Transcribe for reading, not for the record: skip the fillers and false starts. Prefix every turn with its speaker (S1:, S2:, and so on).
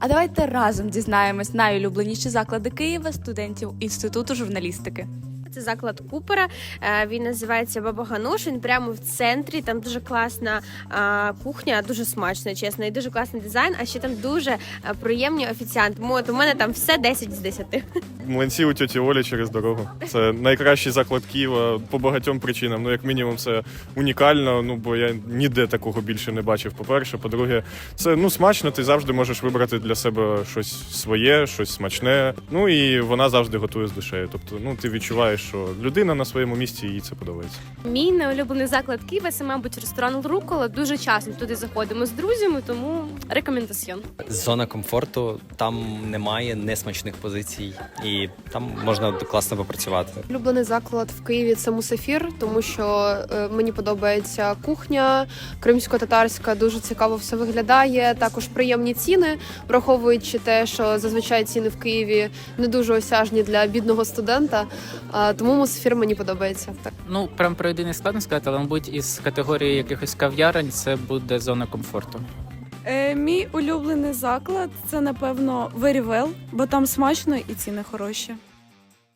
S1: А давайте разом дізнаємось найулюбленіші заклади Києва студентів Інституту журналістики.
S2: Це заклад Купера, він називається Баба Гануш, він прямо в центрі, там дуже класна кухня, дуже смачна, чесно, і дуже класний дизайн, а ще там дуже приємні офіціанти. От у мене там все 10 з 10.
S3: Млинці у тьоті Олі через дорогу. Це найкращий заклад Києва по багатьом причинам. Ну, як мінімум, це унікально, бо я ніде такого більше не бачив, по-перше. По-друге, це, смачно, ти завжди можеш вибрати для себе щось своє, щось смачне. Ну, і вона завжди готує з душею. Тобто, ти відчуваєш, що людина на своєму місці, їй це подобається.
S4: Мій неулюблений заклад Києва – це, мабуть, ресторан «Рукола». Дуже часто туди заходимо з друзями, тому рекомендаціон.
S5: Зона комфорту, там немає несмачних позицій, і там можна класно попрацювати.
S6: Улюблений заклад в Києві – це Мусафір, тому що мені подобається кухня кримсько-татарська, дуже цікаво все виглядає, також приємні ціни, враховуючи те, що зазвичай ціни в Києві не дуже осяжні для бідного студента, тому Мусафір мені подобається. Так.
S7: Прям про єдиний складно сказати, але, мабуть, із категорії якихось кав'ярень це буде зона комфорту.
S8: Мій улюблений заклад – це, напевно, Very Well, бо там смачно і ціни хороші.